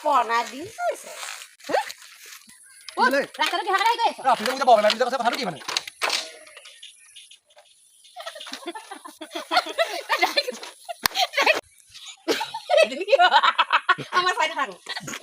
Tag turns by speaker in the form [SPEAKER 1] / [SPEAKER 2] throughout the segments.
[SPEAKER 1] পনা দিন হৈছে ৰাস্তাটো কিহৰ কাৰণে গৈ আছে
[SPEAKER 2] আপুনি যে বগলা পিজা কথা কথাটো কি মানে
[SPEAKER 1] আমাৰ চাইডে থাকো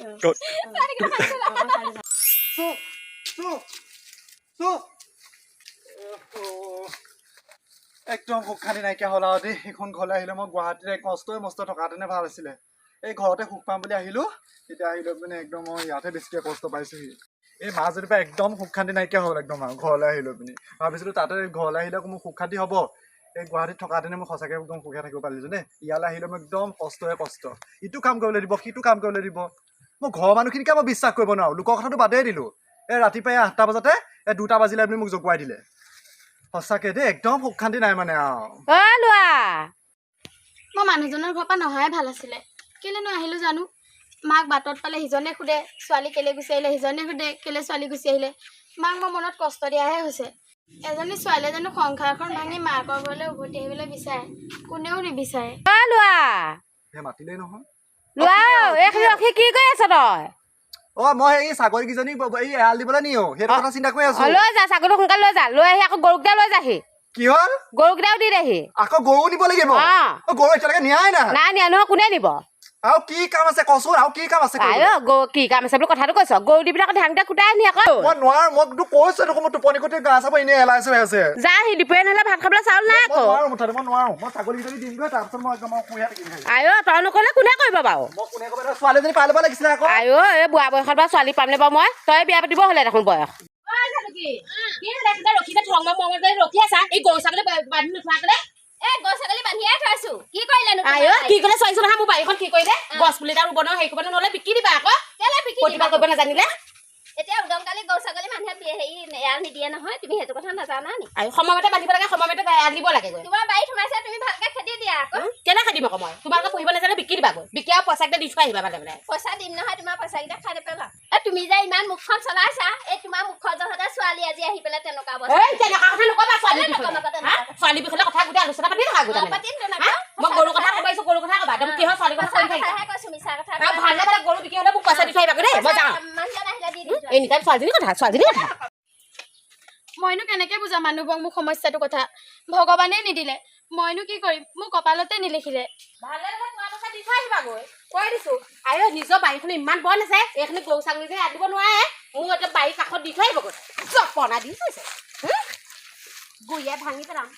[SPEAKER 2] একদম সুখ খালি নাইকিয়া হ'ল আৰু দেই এইখন ঘৰলৈ আহিলে মই গুৱাহাটীত কষ্টই মস্ত থকাহেঁতেনে ভাল আছিলে এই ঘৰতে সুখ পাম বুলি আহিলো তেতিয়া আহিলো মানে একদম মই ইয়াতে বেছিকৈ কষ্ট পাইছোহি এই মাজুলীৰ পৰা একদম সুখ শান্তি নাইকিয়া হ'ল একদম আৰু ঘৰলৈ আহিলো পিনি ভাবিছিলো তাতে ঘৰলৈ আহিলে মোৰ সুখ শান্তি হ'ব এই গুৱাহাটীত থকাহেঁতেনে মই সঁচাকৈ একদম সুখে থাকিব পাৰিছো দেই ইয়ালৈ আহিলে মই একদম কষ্টই কষ্ট ইটো কাম কৰিবলৈ দিব সিটো কাম কৰিবলৈ দিব মই ঘৰৰ মানুহখিনিকে মই বিশ্বাস কৰিব নোৱাৰো লোকৰ কথাটো বাদেই দিলো এই ৰাতিপুৱাই 8টা বজাতে 2টা বাজিলে আপুনি মোক জগুৱাই দিলে সঁচাকৈ দেই একদম সুখ শান্তি নাই মানে আৰু
[SPEAKER 3] লোৱা
[SPEAKER 4] মই মানুহজনৰ ঘৰৰ পৰা নহাই ভাল আছিলে কেলেনো আহিলো জানো মাক বাটত পালে সিজনে সোধে ছোৱালী কেলে গুচি আহিলে সিজনে সোধে কেলে ছোৱালী গুচি আহিলে মাক মই মনত কষ্ট দিয়াহে হৈছে এজনী ছোৱালীয়ে জানো সংসাৰখন ভাঙি মাকৰ ঘৰলৈ উভতি আহিবলৈ বিচাৰে কোনেও নিবিচাৰে
[SPEAKER 3] লোৱা
[SPEAKER 2] সেই মাতিলেই নহয়
[SPEAKER 3] লোৱা এইখিনি ৰখি কি কৰি আছ তই
[SPEAKER 2] মই এই ছাগলীকেইজনী এই এৰাল দিবলৈ নিও সেইটো কথা চিন্তা কৰি আছো
[SPEAKER 3] লৈ যা ছাগলী সোনকালে লৈ যা লৈ আহি আকৌ গৰুকেইটা লৈ যাহি
[SPEAKER 2] কি হ'ল
[SPEAKER 3] গৰুকেইটাও দি দেহি
[SPEAKER 2] আকৌ গৰু নিব লাগিব গৰু এতিয়ালৈকে নিয়াই
[SPEAKER 3] নাই নিয়া নহয় কোনে নিব
[SPEAKER 2] আৰু কি কাম আছে কচোন আৰু কি কাম আছে
[SPEAKER 3] কি কাম আছে বুলি কথাটো কৈছ গৰু দি পেলাই ধানকেইটা কুটাই নি আকৌ
[SPEAKER 2] মই নোৱাৰো মই তোক কৈছো দেখোন মই টোপনি কটি গা চাব এনেই এলাইছে হৈ আছে
[SPEAKER 3] যা সি দুপৰীয়া নহ'লে ভাত খাবলৈ চাউল নাই আকৌ
[SPEAKER 2] মই নোৱাৰো মই ছাগলীকেইজনী দিমগৈ তাৰপিছত মই একদম শুই থাকিম
[SPEAKER 3] তই নকলে কোনে কৰিব বাৰু
[SPEAKER 2] মই কোনে ক'ব ছোৱালীজনী পাই ল'ব লাগিছিলে আকৌ
[SPEAKER 3] এই বুঢ়া বয়সত বাৰু ছোৱালী পামনে বাৰু মই তই বিয়া পাতিব হ'লে দেখোন বয়স ৰখি আছা এই গৰু ছাগলী বান্ধি নোথোৱাকলে কি কলে চাইছো নহয় মোৰ বাৰীখন কি কৰিলে গছ পুলি এটা ৰুব নহয় সেই কৰিব নহ'লে বিকি দিবা আকৌ প্ৰতিভা কৰিব নাজানিলে
[SPEAKER 1] এতিয়া উদমকালি গৰু ছাগলী মানুহে হেৰি এৰাল নিদিয়ে নহয় তুমি সেইটো কথা নাজানা নি
[SPEAKER 3] সময়মতে বান্ধিব লাগে সময়মতে এৰাল দিব লাগে
[SPEAKER 1] তোমাৰ বাৰীত সোমাইছে তুমি ভালকে খেদি দিয়া আকৌ
[SPEAKER 3] কেনে খাদিম আকৌ মই তোমালোকে পঢ়িব নাজানে বিকি দিবা গৈ বিকি আৰু পইচা কেইটা দি থৈ আহিবা মানে
[SPEAKER 1] পইচা দিম নহয় তোমাৰ পইচা কেইটা খাই পেলা তুমি যে ইমান মুখখন চলাইছা এই তোমাৰ মুখৰ জহতে ছোৱালী আজি আহি পেলাই তেনেকুৱা
[SPEAKER 3] ছোৱালী বিষয়ে কথা গোটেই আলোচনা পাতি থকা মই গৰু কথা ক'ব আহিছো গৰু কথা ক'বা তুমি কি হয় ছোৱালী কথা ভাল নাপালে গৰু বিকি হ'লে মোক পইচা দি থৈ আহিবা দেই মই যাওঁ এনি টাইম ছোৱালীজনী কথা
[SPEAKER 4] মইনো কেনেকে বুজাম মানুহবোৰক মোক সমস্যাটো কথা ভগৱানে নিদিলে মইনো কি কৰিম মোৰ কপালতে নিলিখিলে
[SPEAKER 3] কৈ দিছো আৰু নিজৰ বাৰীখন ইমান বন আছে এইখিনি গৰু ছাগলী যে আদিব নোৱাৰে মোৰ এটা বাৰীৰ কাষত দি থৈ আহিব গৈ জপনা দি থৈছে গুৰিয়ে ভাঙি পেলাম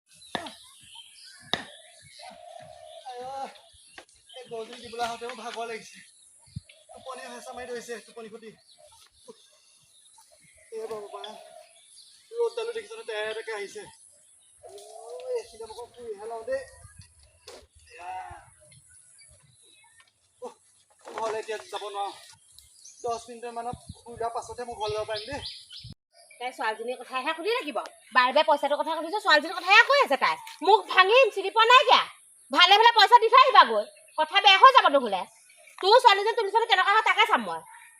[SPEAKER 2] গৰুজনী দিবলৈ আহোঁতে মোৰ ভাগৰ লাগিছে টোপনি হেঁচা মাৰি ধৰিছে টোপনি খতি ৰ'দডালো দেখিছ তেৰকে আহিছে এইখিনি মোক ফুৰিহে লওঁ দেই ঘৰলৈ এতিয়া যাব নোৱাৰো 10 মিনিটমানত শুই লোৱাৰ পাছতহে মই ঘৰলৈ যাব পাৰিম দেই
[SPEAKER 3] তাই ছোৱালীজনীৰ কথাহে সুধি থাকিব বাৰে বাৰে পইচাটোৰ কথা সুধিছো ছোৱালীজনীৰ কথাহে কৈ আছে তাই মোক ভাঙিম চিনি পোৱা নাই কিয়া ভালে ভালে পইচা দি থৈ আহিবা গৈ কথা বেয়া হৈ যাব নহ'লে তোৰ ছোৱালীজনী তুমি ছোৱালী কেনেকুৱা হয় তাকে চাম মই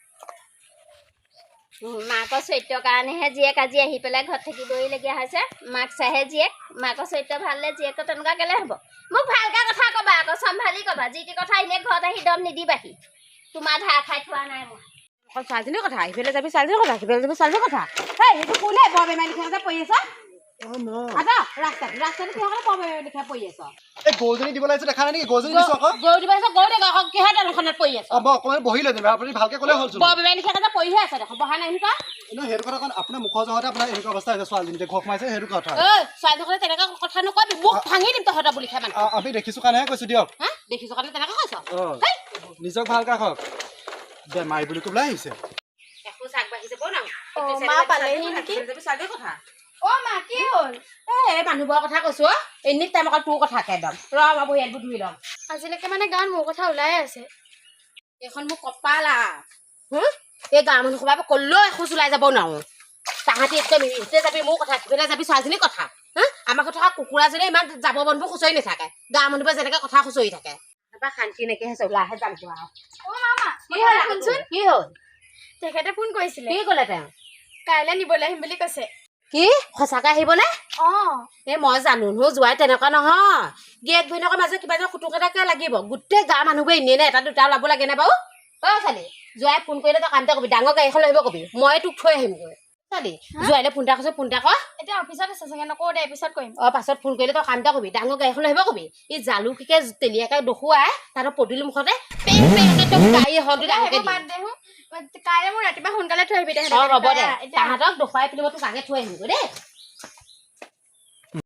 [SPEAKER 1] মাকৰ চৰিত্ৰৰ কাৰণেহে জীয়েক আজি আহি পেলাই ঘৰত থাকিবইলগীয়া হৈছে মাক চাহে জীয়েক মাকৰ চৰিত্ৰ ভাললে জীয়েকৰ তেনেকুৱা কেলে হ'ব মোক ভালকৈ কথা ক'বা আকৌ চম্ভালি ক'বা যি টি কথা এনেই ঘৰত আহি দম নিদিবাহি তোমাৰ ধাৰ খাই থোৱা নাই মই
[SPEAKER 3] অকল ছোৱালীজনীৰ কথা ইফালে যাবি ছোৱালীজনীৰ কথা সিফালে যাবি ছোৱালীজনীৰ কথা সেইটো কোনে বৰ বেমাৰী লিখা পৰি আছ ৰাস্তাটো কিহৰ বৰ বেমাৰী লিখা পৰি আছ
[SPEAKER 2] এই গৰুজনী দিব লাগিছে দেখা নাই নেকি গৰুজনী দিছো আকৌ
[SPEAKER 3] গৰু দিব আহিছ গৰু দেখোন আকৌ কিহৰ টেনখনত পৰি আছ
[SPEAKER 2] মই অকণমান বহি লৈ দিম আপুনি ভালকে ক'লে হ'ল
[SPEAKER 3] বৰ বেমাৰী লিখা পৰিহে আছে দেখোন বহা নাই এনেকুৱা
[SPEAKER 2] সেইটো কথা আপোনাৰ মুখৰ জহতে আপোনাৰ এনেকুৱা অৱস্থা হৈছে ছোৱালীজনী ঘৰ সোমাইছে সেইটো কথা
[SPEAKER 3] ছোৱালীজনী তেনেকুৱা কথা নকবি মোক ভাঙি দিম তহঁতৰ বুলি খাই মানে
[SPEAKER 2] আমি দেখিছো কাৰণেহে কৈছো দিয়ক
[SPEAKER 3] দেখিছো কাৰণে তেনেকুৱা কৈছ
[SPEAKER 2] নিজক ভালকে ৰাখক বেমাৰী বুলি ক'বলৈ আহিছে
[SPEAKER 3] একো চাক বাঢ়িছে বনাও
[SPEAKER 4] মা পালেহি নেকি
[SPEAKER 3] ছোৱালীৰ কথা
[SPEAKER 4] মা কি হ'ল
[SPEAKER 3] এই মানুহবোৰৰ কথা কৈছো এনি টাইম অকল তোৰ কথা একদম ৰ মই বহি ইয়াত ধুই ল'ম
[SPEAKER 4] আজিলৈকে মানে গাঁৱত মোৰ কথা ওলাই আছে
[SPEAKER 3] এইখন মোৰ কপাল এই গাঁৱৰ মানুহ সোমাব ক'লেও এখোজ ওলাই যাব নোৱাৰো তাহাঁতি একদম ইহঁতে যাবি মোৰ কথা সিফালে যাবি ছোৱালীজনীৰ কথা আমাৰ কথা কুকুৰাজনী ইমান যাব বনবোৰ খুচৰি নাথাকে গাঁৱৰ মানুহবোৰে যেনেকে কথা খুচৰি থাকে শান্তি নাইকিয়া হৈছে ওলাহে যাম কি হ'ল
[SPEAKER 4] তেখেতে ফোন কৰিছিলে
[SPEAKER 3] কি ক'লে তেওঁ
[SPEAKER 4] কাইলৈ নিবলৈ আহিম বুলি কৈছে
[SPEAKER 3] কি সঁচাকে আহিবনে এই মই জানো নহয় যোৱাই তেনেকুৱা নহয় গিয়েক ভৈনকৰ মাজত কিবা এটা খুটুক এটাকে লাগিব গোটেই গাঁৱৰ মানুহবোৰে এনেই নে এটা দুটা ওলাব লাগে নে বাৰু ছোৱালী জোৱাই ফোন কৰিলে তই কাম এটা কবি ডাঙৰ গাড়ী এখন লৈ আহিব কবি মই তোক থৈ আহিমগৈ ছোৱালী জোৱাইলে ফোন এটা কৈছে ফোন এটা কৰ
[SPEAKER 4] এতিয়া অফিচত আছে চাগে নকওঁ দে পিছত কৰিম
[SPEAKER 3] পাছত ফোন কৰিলে তই কাম এটা কবি ডাঙৰ গাড়ী এখন লৈ আহিব কবি এই জালুকিকে তেলিয়াকে দেখুৱাই তাহাঁতৰ পদূলি মুখতে গাড়ী হওঁতে ডাঙৰকে
[SPEAKER 4] বাদ দে কাইলৈ মোৰ ৰাতিপুৱা সোনকালে থৈ আহিবি দে
[SPEAKER 3] হ'ব দে তাহাঁতক দেখুৱাই পিনি মই তোক আগে থৈ আহিমগৈ দেই